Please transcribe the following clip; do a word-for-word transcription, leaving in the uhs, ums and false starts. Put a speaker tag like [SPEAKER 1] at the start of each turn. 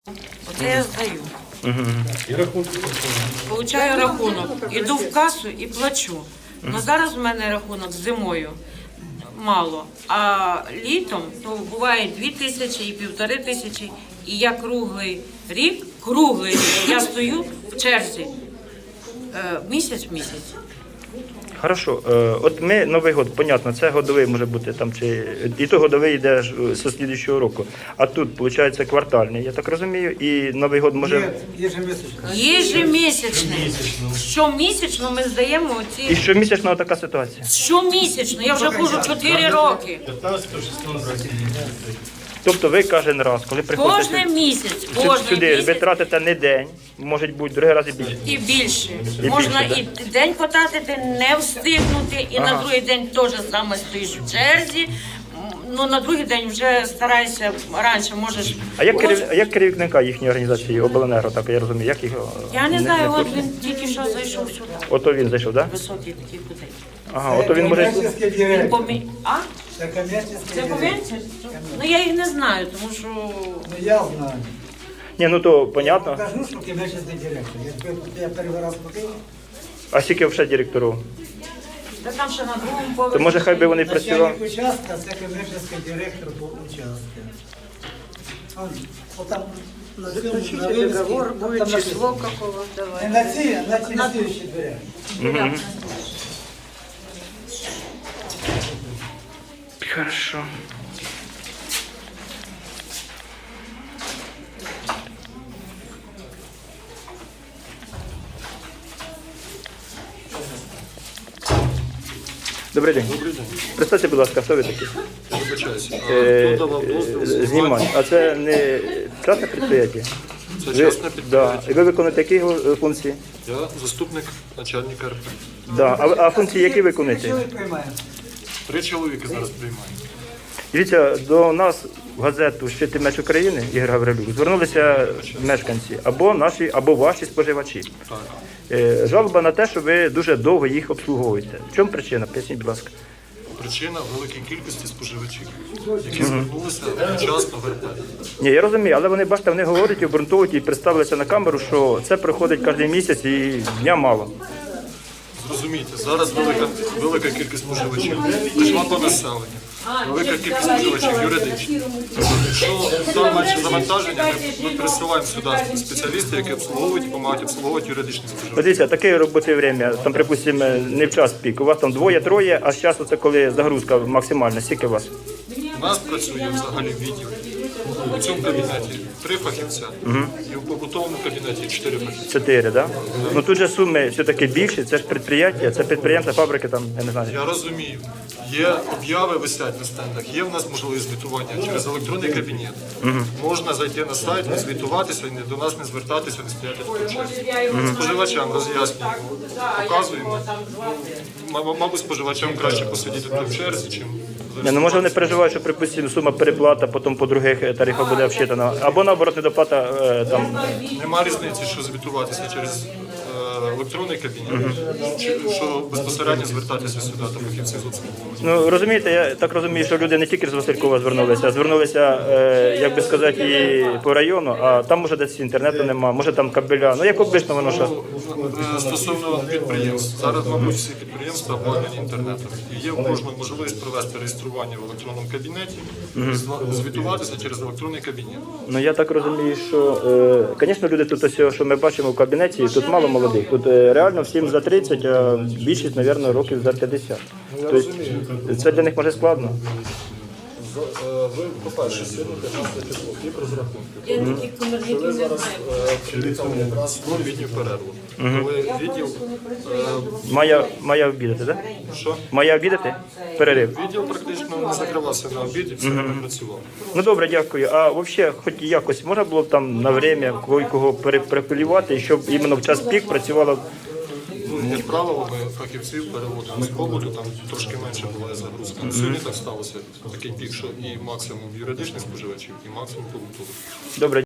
[SPEAKER 1] Оце я здаю.
[SPEAKER 2] І рахунки.
[SPEAKER 1] Получаю рахунок, іду в касу і плачу. Ну зараз у мене рахунок зимою мало, а літом то буває дві тисячі і півтори тисячі. І я круглий рік, круглий рік, я стою в черзі е, місяць в місяць.
[SPEAKER 3] Хорошо. Е, От ми Новий год, понятно, це годовий може бути там, чи і то годовий йде ж з слідуючого року. А тут, виходить, квартальний, я так розумію, і Новий год може.
[SPEAKER 4] Нет, ежемесячно.
[SPEAKER 1] Єжемісячний. Щомісячно ми здаємо
[SPEAKER 3] І
[SPEAKER 1] оці.
[SPEAKER 3] щомісячно така ситуація.
[SPEAKER 1] Щомісячно, я вже ходжу чотири роки.
[SPEAKER 2] п'ятнадцятого, шістнадцятого.
[SPEAKER 3] Тобто ви кожен раз, коли приходите
[SPEAKER 1] Кожен місяць,
[SPEAKER 3] сю-
[SPEAKER 1] кожен
[SPEAKER 3] сюди, ви
[SPEAKER 1] місяць.
[SPEAKER 3] тратите не день, може бути другий раз і більше.
[SPEAKER 1] І більше.
[SPEAKER 3] І
[SPEAKER 1] Можна
[SPEAKER 3] більше,
[SPEAKER 1] і день потратити, не встигнути, і на
[SPEAKER 3] Ага.
[SPEAKER 1] другий день теж саме стоїш в черзі. М, Ну, на другий день вже старайся раніше, можеш.
[SPEAKER 3] А як, керів... а як керівника їхньої організації обленерго, так я розумію, як його?
[SPEAKER 1] Я не знаю,
[SPEAKER 3] в
[SPEAKER 1] от
[SPEAKER 3] курсі?
[SPEAKER 1] він тільки що зайшов сюди.
[SPEAKER 3] Ото він зайшов, так? Да?
[SPEAKER 1] Високий такий кудись.
[SPEAKER 3] Ага, ото він може.
[SPEAKER 4] Коммерческий
[SPEAKER 1] Він
[SPEAKER 4] директор.
[SPEAKER 1] помі... А?
[SPEAKER 4] Это коммерческий
[SPEAKER 1] Це
[SPEAKER 4] директор.
[SPEAKER 1] повінці? Ну я їх не знаю, тому що
[SPEAKER 4] Ну, я знаю.
[SPEAKER 3] Ні, ну то понятно.
[SPEAKER 4] Покажу, что коммерческий директор. Я, тебе- я первый раз покажу.
[SPEAKER 3] А скільки вже директорів?
[SPEAKER 1] та там ще на другому поверсі.
[SPEAKER 3] То може хай би вони працювали.
[SPEAKER 4] Начальник участка, це коммерческий директор по участку. Он, вот там на цьому, на вивісці,
[SPEAKER 1] договор,
[SPEAKER 4] там
[SPEAKER 1] буде
[SPEAKER 4] написано.
[SPEAKER 1] число какого, давай.
[SPEAKER 4] Не на ці, а на ці на слідчі двері.
[SPEAKER 3] Хорошо. Добрий день.
[SPEAKER 2] Добрий день.
[SPEAKER 3] Представте, будь ласка, хто ви такі?
[SPEAKER 2] Я вибачаюся. А
[SPEAKER 3] Е,
[SPEAKER 2] хто давав дозвіл?
[SPEAKER 3] е,
[SPEAKER 2] знімати?
[SPEAKER 3] Знімати. А це не частне підприємство?
[SPEAKER 2] Це
[SPEAKER 3] Ви,
[SPEAKER 2] частне
[SPEAKER 3] да.
[SPEAKER 2] підприємство.
[SPEAKER 3] І ви виконуєте які е, функції?
[SPEAKER 2] Я заступник начальника РП.
[SPEAKER 3] Да. А, а функції які виконуєте?
[SPEAKER 4] Чоловік приймає.
[SPEAKER 2] Три чоловіки зараз приймають.
[SPEAKER 3] Дивіться, до нас в газету «Щитий меч України» Ігор Гаврилюк звернулися мешканці або наші, або ваші споживачі.
[SPEAKER 2] Так.
[SPEAKER 3] Е, Жалоба на те, що ви дуже довго їх обслуговуєте. В чому причина? Поясніть, будь ласка.
[SPEAKER 2] Причина великої кількості споживачів, які звернулися вчасно в РП.
[SPEAKER 3] Ні, я розумію, але вони, бачите, вони говорять, обґрунтовують і представилися на камеру, що це приходить кожен місяць і дня мало.
[SPEAKER 2] Зрозумійте, зараз велика, велика кількість споживачів прийшла по населенню. Велика кількість споживачів юридичних. Якщо там менше завантаження, ми, ми присилаємо сюди спеціалістів, які обслуговують, допомагають обслуговувати юридичних
[SPEAKER 3] От
[SPEAKER 2] споживачів.
[SPEAKER 3] дивіться, таке робоче время, там, припустимо, не в час пік. У вас там двоє-троє, а з часу це коли загрузка максимальна. Скільки у вас?
[SPEAKER 2] У нас працює взагалі відділ. У цьому кабінеті три фахівця, і в побутовому кабінеті чотири фахівця.
[SPEAKER 3] Чотири, так? Да? Ну тут же суми все-таки більші, це ж підприємства, це підприємства, фабрики, там, я не знаю.
[SPEAKER 2] Я розумію, є обяви висять на стендах, є в нас можливість звітування через електронний кабінет. Можна зайти на сайт, не звітуватися, і не- до нас не звертатися, не стояти в черзі. Споживачам роз'яснюємо, показуємо. М- Мабуть, споживачам краще посидіти тут в черзі, чим
[SPEAKER 3] Ні, ну може вони переживають, що припустимо сума переплата, потім по других тарифах буде обсчитана. Або наоборот недоплата е, там.
[SPEAKER 2] нема різниці, що звітуватися через е, електронний кабінет, чи що безпосередньо звертатися сюди до фахівців з обслуговування.
[SPEAKER 3] Ну розумієте, я так розумію, що люди не тільки з Василькова звернулися, а звернулися, е, як би сказати, і по району, а там може десь інтернету нема, може там кабеля. Ну як обично воно що.
[SPEAKER 2] Е, Стосовно підприємств, зараз, мабуть, всі підприємства обладнані інтернетом. І є у кожного можливість провести реєстрування в електронному кабінеті, зла- звітуватися через електронний кабінет.
[SPEAKER 3] Ну я так розумію, що, е, звісно, люди тут ось, що ми бачимо в кабінеті, тут мало молодих. Тут е, реально всім за тридцять, а більшість, мабуть, років за п'ятдесят. Тобто це для них може складно.
[SPEAKER 2] Ви, по-перше, сьогодні п'ятнадцяте число, хліб розрахунки.
[SPEAKER 1] Я таких комерційних не знаю.
[SPEAKER 2] Відділ якраз в літню перерву. Коли відділ, е,
[SPEAKER 3] Має, має обідати, так?
[SPEAKER 2] що?
[SPEAKER 3] Має обідати? Перерив.
[SPEAKER 2] Відділ практично не закривався на обід і все время працював.
[SPEAKER 3] Ну добре, дякую. А взагалі, хоч якось можна було б там на время кого, кого перепілювати, щоб іменно в час пік працювало.
[SPEAKER 2] Ну, як правило, ми фахівців переводимо з побуту, там трошки менше буває загрузка. Сьогодні так сталося такий пік, що і максимум юридичних споживачів, і максимум побутових.
[SPEAKER 3] Добре.